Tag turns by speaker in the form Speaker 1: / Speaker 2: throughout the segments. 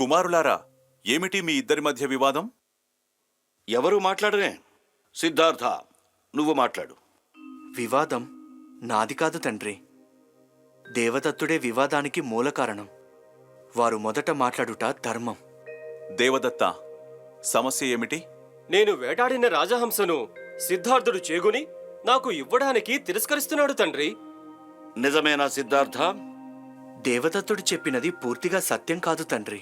Speaker 1: కుమారులారా, ఏమిటి మీ ఇద్దరి మధ్య వివాదం?
Speaker 2: ఎవరు మాట్లాడరే? సిద్ధార్థ, నువ్వు మాట్లాడు.
Speaker 3: వివాదం నాది కాదు తండ్రి. దేవదత్తుడే వివాదానికి మూల కారణం. వారు మొదట మాట్లాడుట ధర్మం.
Speaker 1: దేవదత్త, సమస్య ఏమిటి?
Speaker 4: నేను వేటాడిన రాజహంసను సిద్ధార్థుడు చేగుని నాకు ఇవ్వడానికి తిరస్కరిస్తున్నాడు తండ్రి.
Speaker 2: నిజమేనా సిద్ధార్థ?
Speaker 3: దేవదత్తుడు చెప్పినది పూర్తిగా సత్యం కాదు తండ్రి.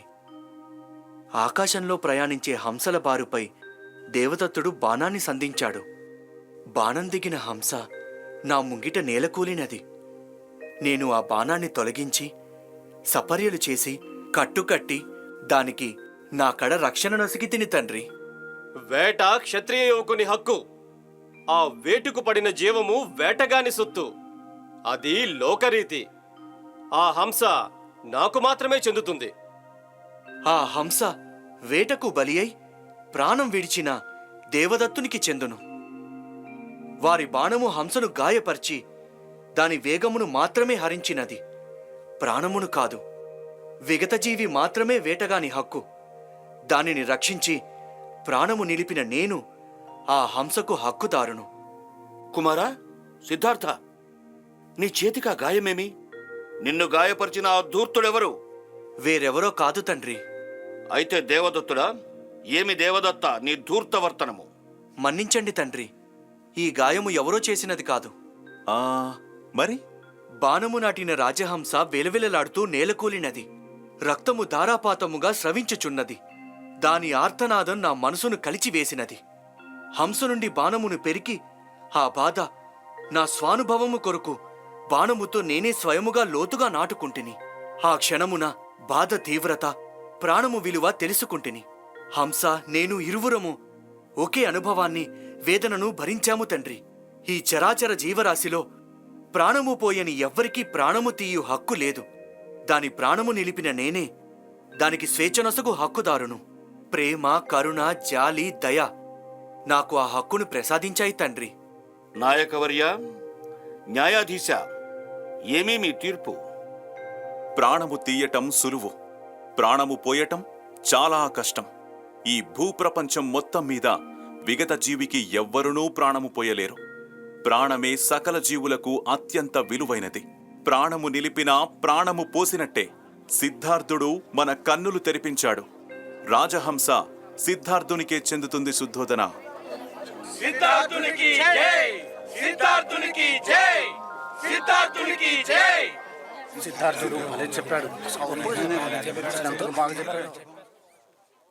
Speaker 3: ఆకాశంలో ప్రయాణించే హంసల బారుపై దేవదత్తుడు బాణాన్ని సంధించాడు. బాణం దిగిన హంస నా ముంగిట నేలకూలినది. నేను ఆ బాణాన్ని తొలగించి సపర్యలు చేసి కట్టుకట్టి దానికి నా కడ రక్షణ నొసిగి తిని తండ్రి.
Speaker 4: వేట క్షత్రియ యువకుని హక్కు. ఆ వేటుకు పడిన జీవము వేటగాని సొత్తు. అది లోకరీతి. ఆ హంస నాకు మాత్రమే చెందుతుంది.
Speaker 3: ఆ హంస వేటకు బలి అయి ప్రాణం విడిచిన దేవదత్తునికి చెందును. వారి బాణము హంసను గాయపరిచి దాని వేగమును మాత్రమే హరించినది, ప్రాణమును కాదు. విగతజీవి మాత్రమే వేటగాని హక్కు. దానిని రక్షించి ప్రాణము నిలిపిన నేను ఆ హంసకు హక్కుదారును.
Speaker 2: కుమారా, సిద్ధార్థ, నీ చేతికా గాయమేమి? నిన్ను గాయపరిచిన ఆ ధూర్తుడెవరు?
Speaker 3: వేరెవరో కాదు తండ్రి.
Speaker 2: అయితే దేవదత్తుడా? ఏమి దేవదత్త నీ ధూర్తవర్తనము?
Speaker 3: మన్నించండి తండ్రి, ఈ గాయము ఎవరో చేసినది కాదు.
Speaker 1: మరి?
Speaker 3: బాణము నాటిన రాజహంస వెలవెలలాడుతూ నేలకూలినది. రక్తము ధారాపాతముగా స్రవించుచున్నది. దాని ఆర్తనాదం నా మనసును కలిచివేసినది. హంస నుండి బాణమును పెరికి ఆ బాధ నా స్వానుభవము కొరకు బాణముతో నేనే స్వయముగా లోతుగా నాటుకుంటిని. ఆ క్షణమున బాధ తీవ్రత, ప్రాణము విలువ తెలుసుకుంటిని. హంస నేను ఇరువురము ఒకే అనుభవాన్ని, వేదనను భరించాము తండ్రి. ఈ చరాచర జీవరాశిలో ప్రాణము పోయని ఎవ్వరికీ ప్రాణము తీయు హక్కు లేదు. దాని ప్రాణము నిలిపిన నేనే దానికి స్వేచ్ఛనొసగు హక్కుదారును. ప్రేమ, కరుణ, జాలి, దయ నాకు ఆ హక్కును ప్రసాదించాయి తండ్రి.
Speaker 2: నాయకవర్య, న్యాయాధీశ, ఏమీ మీ తీర్పు?
Speaker 1: ప్రాణము తీయటం సులువు, ప్రాణము పోయటం చాలా కష్టం. ఈ భూప్రపంచం మొత్తం మీద విగత జీవికి ఎవ్వరునూ ప్రాణము పోయలేరు. ప్రాణమే సకల జీవులకు అత్యంత విలువైనది. ప్రాణము నిలిపినా ప్రాణము పోసినట్టే. సిద్ధార్థుడు మన కన్నులు తెరిపించాడు. రాజహంస సిద్ధార్థునికే చెందుతుంది. శుద్ధోదన.
Speaker 5: సిద్ధార్థునికి జై! సిద్ధార్థునికి జై! సిద్ధార్థునికి జై!
Speaker 6: సిద్ధార్థుడు చెప్పాడు.